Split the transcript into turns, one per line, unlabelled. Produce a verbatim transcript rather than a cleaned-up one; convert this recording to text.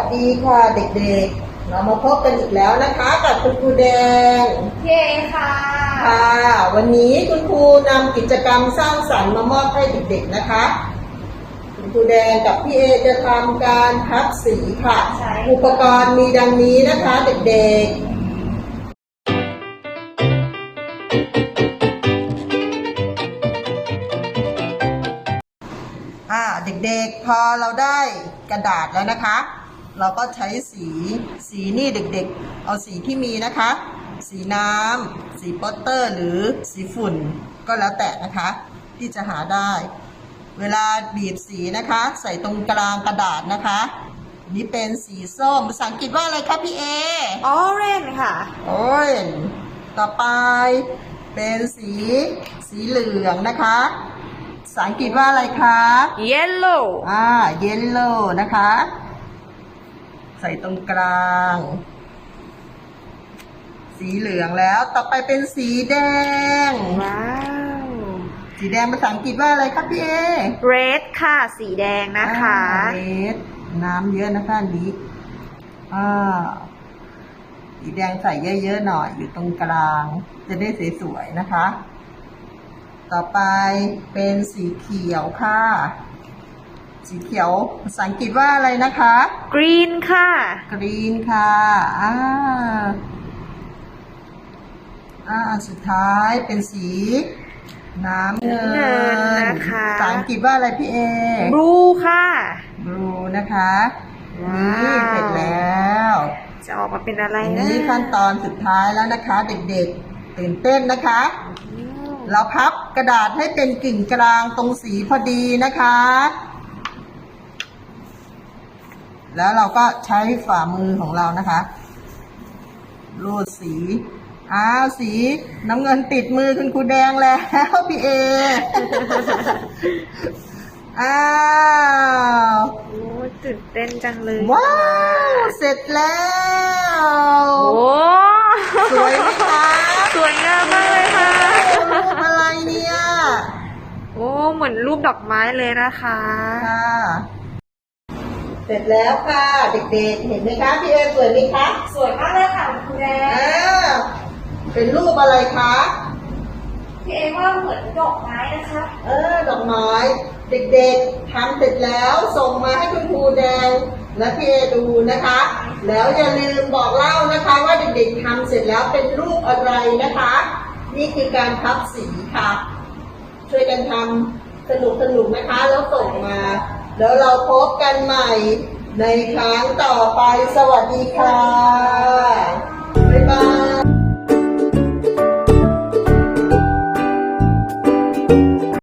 สดีค่ะเด็กๆเรามาพบกันอีกแล้วนะคะกับคุณครูแดง
เย้ค่ะ
ค่ะวันนี้คุณครูนำกิจกรรมสร้างสรรค์มามอบให้เด็กๆนะคะคุณครูแดงกับพี่เอจะทำการพับสีค่ะอุปกรณ์มีดังนี้นะคะเด็กๆอ่าเด็กๆพอเราได้กระดาษแล้วนะคะเราก็ใช้สีสีนี่เด็กๆเอาสีที่มีนะคะสีน้ำสีโปสเตอร์หรือสีฝุ่นก็แล้วแต่นะคะที่จะหาได้เวลาบีบสีนะคะใส่ตรงกลางกระดาษนะคะนี่เป็นสีส้มภาษาอังกฤษว่าอะไรคะพี่เอ
orange ค่ะ
orange ต่อไปเป็นสีสีเหลืองนะคะภาษาอังกฤษว่าอะไรคะ
yellow
อ่า yellow นะคะใส่ตรงกลางสีเหลืองแล้วต่อไปเป็นสีแดง
ว้าว
สีแดงภาษาอังกฤษว่าอะไรครับพี่เอ
red ค่ะสีแดงนะคะ
red น้ำเยอะนะคะอันนี้อ่าสีแดงใส่เยอะๆหน่อยอยู่ตรงกลางจะได้สวยๆนะคะต่อไปเป็นสีเขียวค่ะสีเขียวภาษาอังกฤษว่าอะไรนะคะ
green ค่ะ
green ค่ะอ่าอ่าสุดท้ายเป็นสีน้ำเงิน
นะคะ
ภาษาอังกฤษว่าอะไรพี่เอ
blue ค่ะ
blue นะคะนี่เสร็จแล้ว
จะออกมาเป็นอะไรนะ
นี่ขั้นตอนสุดท้ายแล้วนะคะเด็กๆตื่นเต้นนะคะเราพับกระดาษให้เป็นกึ่งกลางตรงสีพอดีนะคะแล้วเราก็ใช้ฝ่ามือของเรานะคะรูดสีอ้าวสีน้ำเงินติดมือคุณครูแดงแล้วพี่เอ อ้าว
โอ้ตื่นเต้นจังเลย
ว้าวเสร็จแล้ว
โอ้
สวยไหมคะ
สวยงามมากเลยค่ะ
รูปอะไรเนี่ย
โอ้เหมือนรูปดอกไม้เลยนะคะ
ค่ะเสร็จแล้วค่ะเด็กๆเห็นไหมคะพี่เอสวยไหมคะ
สวยมากเลยค่ะคุณแดง
เป็นรูปอะไรคะ
พี่เอว่าเหมือนดอกไม้นะคะ
เออดอกไม้เด็กๆทำเสร็จแล้วส่งมาให้คุณครูแดงและพี่เอดูนะคะแล้วอย่าลืมบอกเล่านะคะว่าเด็กๆทำเสร็จแล้วเป็นรูปอะไรนะคะนี่คือการพับสีค่ะช่วยกันทำสนุกๆนะคะแล้วส่งมาแล้วเราพบกันใหม่ในครั้งต่อไปสวัสดีค่ะ